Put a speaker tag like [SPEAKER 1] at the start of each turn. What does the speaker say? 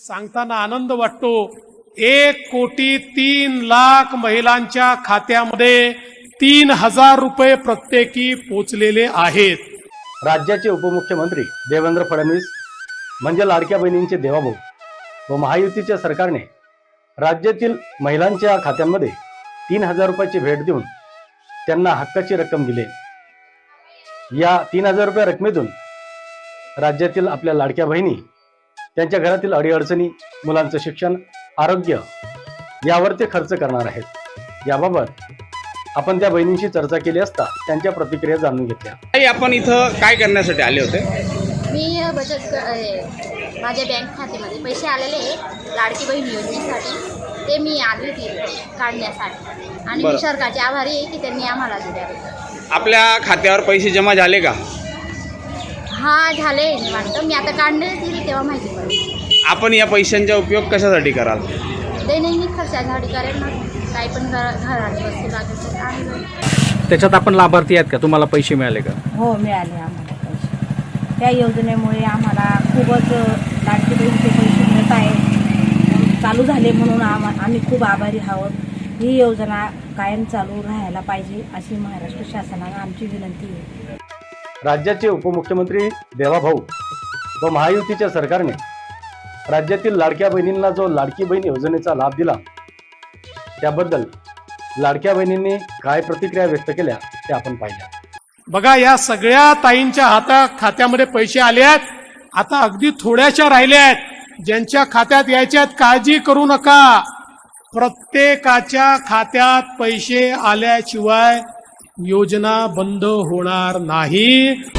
[SPEAKER 1] सांगताना आनंद वाटतो. 1,03,00,000 महिलांच्या खात्यामध्ये 3,000 रुपये प्रत्येकी पोचलेले आहेत.
[SPEAKER 2] राज्याचे उपमुख्यमंत्री देवेंद्र फडणवीस म्हणजे लाडक्या बहिणींचे देवाभाऊ व महायुतीच्या सरकारने राज्यातील महिलांच्या खात्यांमध्ये 3,000 रुपयाची भेट देऊन त्यांना हक्काची रक्कम दिली. या 3,000 रुपये रकमेतून राज्यातील आपल्या लाडक्या बहिणी त्यांच्या घरातील अडीअडचणी, मुलांचं शिक्षण, आरोग्य यावर ते खर्च करणार आहेत. याबाबत आपण त्या बहिणींशी चर्चा केली असता त्यांच्या प्रतिक्रिया जाणून घेतल्या.
[SPEAKER 3] आपण इथं काय करण्यासाठी आले होते?
[SPEAKER 4] मी माझ्या बँक खात्यामध्ये पैसे आलेले आहेत लाडकी बहीण योजनेसाठी. ते मी आली होती काढण्यासाठी आणि मी सरकारचे आभारी आहे की त्यांनी आम्हाला दिले.
[SPEAKER 3] आपल्या खात्यावर पैसे जमा झाले का?
[SPEAKER 4] हा झाले वाटतं. मी आता काढण्यात दिली तेव्हा माहिती पडली.
[SPEAKER 3] आपण या पैशांचा उपयोग कशासाठी कराल?
[SPEAKER 4] दैनंदिन खर्चासाठी करेल ना, काही पण घरात वस्तू लागेल तर आणलं.
[SPEAKER 5] त्याच्यात आपण लाभार्थी आहेत का? तुम्हाला पैसे मिळाले का?
[SPEAKER 6] हो, मिळाले आम्हाला पैसे. त्या योजनेमुळे आम्हाला खूपच लाडकी बहिणीचे पैसे मिळत आहे, चालू झाले म्हणून आम्ही खूप आभारी आहोत. ही योजना कायम चालू राहायला पाहिजे अशी महाराष्ट्र शासनाला आमची विनंती आहे.
[SPEAKER 2] राज्याचे उपमुख्यमंत्री देवाभाऊ व महायुतीच्या सरकारने राज्यातील लाडक्या बहिणींना जो लाडकी बहीण योजनेचा लाभ दिला त्याबद्दल लाडक्या बहिणींनी काय प्रतिक्रिया व्यक्त केल्या ते आपण पाहिल्या.
[SPEAKER 1] बघा, या सगळ्या ताईंच्या खात्यामध्ये पैसे आले आहेत. आता अगदी थोड्याशा राहिल्या आहेत ज्यांच्या खात्यात यायच्यात. काळजी करू नका, प्रत्येकाच्या खात्यात पैसे आल्याशिवाय योजना बंद होणार नाही.